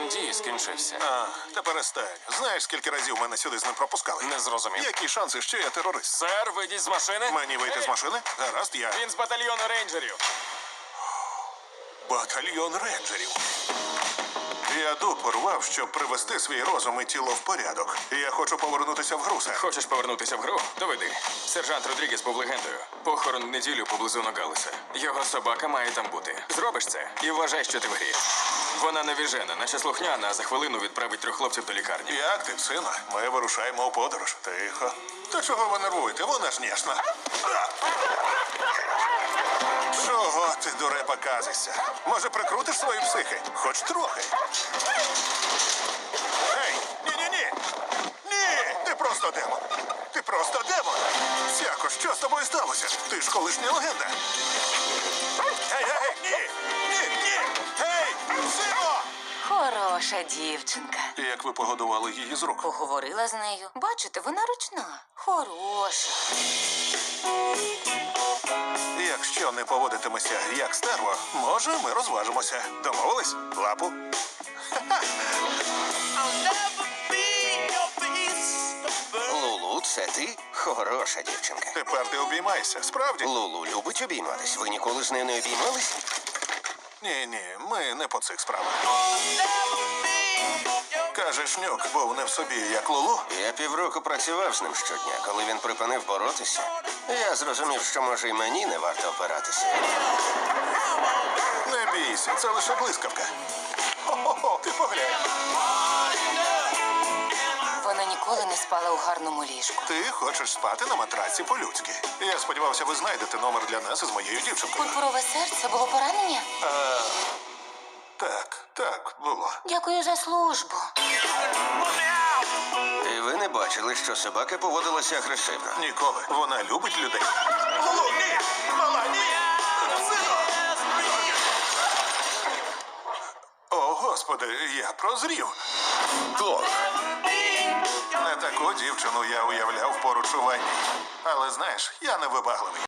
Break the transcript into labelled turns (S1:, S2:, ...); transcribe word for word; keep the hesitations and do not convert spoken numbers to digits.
S1: Термін дії скінчився.
S2: А, та перестань. Знаєш, скільки разів мене сюди з ним пропускали?
S1: Не зрозумів.
S2: Які шанси, що я терорист?
S1: Сер, вийдіть з машини.
S2: Мені вийти з машини? Гаразд, я.
S1: Він з батальйону рейнджерів.
S2: Батальйон рейнджерів. Я дуб порвав, щоб привести свій розум і тіло в порядок. Я хочу повернутися в гру, сер.
S1: Хочеш повернутися в гру? Доведи. Сержант Родрігес був легендою. Похорон в неділю поблизу Ногалеса. Його собака має там бути. Зробиш це і вважай, що ти в грі. Вона навіжена, наче слухняна, а за хвилину відправить трьох хлопців до лікарні.
S2: Як ти, сина? Ми вирушаємо у подорож. Тихо. Та чого ви нервуєте? Вона ж ніжна. Чого ти, дурепа, казишся? Може, прикрутиш свої психи? Хоч трохи. Ей, ні-ні-ні! Ні! Ти просто демон! Ти просто демон! Сяко, що з тобою сталося? Ти ж колишня легенда! Ей, ей, ні! Ні, ні! Ей, сино!
S3: Хороша дівчинка.
S2: Як ви погодували її з рук?
S3: Поговорила з нею. Бачите, вона ручна. Хороша.
S2: Якщо не поводитимеся як стерво, може, ми розважимося. Домовились? Лапу?
S4: Лулу, це ти? Хороша дівчинка.
S2: Тепер ти обіймайся. Справді?
S4: Лулу любить обійматись. Ви ніколи з нею не обіймались?
S2: Ні-ні, ми не по цих справах. Каже, Нюк був не в собі, як Лулу.
S4: Я півроку працював з ним щодня. Коли він припинив боротися, я зрозумів, що може і мені не варто опиратися.
S2: Не бійся, це лише блискавка. Хо-хо-хо, ти поглянь.
S3: Вона ніколи не спала у гарному ліжку.
S2: Ти хочеш спати на матраці по-людськи. Я сподівався, ви знайдете номер для нас із моєю дівчинкою.
S3: Пурпурове серце було поранення?
S2: А, так, так, було.
S3: Дякую за службу.
S4: І ви не бачили, що собака поводилася агресивно.
S2: Ніколи. Вона любить людей. Лулу, ні! Мала, ні! Сино! О, Господи, я прозрів.
S4: Клоп.
S2: Не таку дівчину я уявляв поруч у ванні. Але знаєш, я не вибагливий.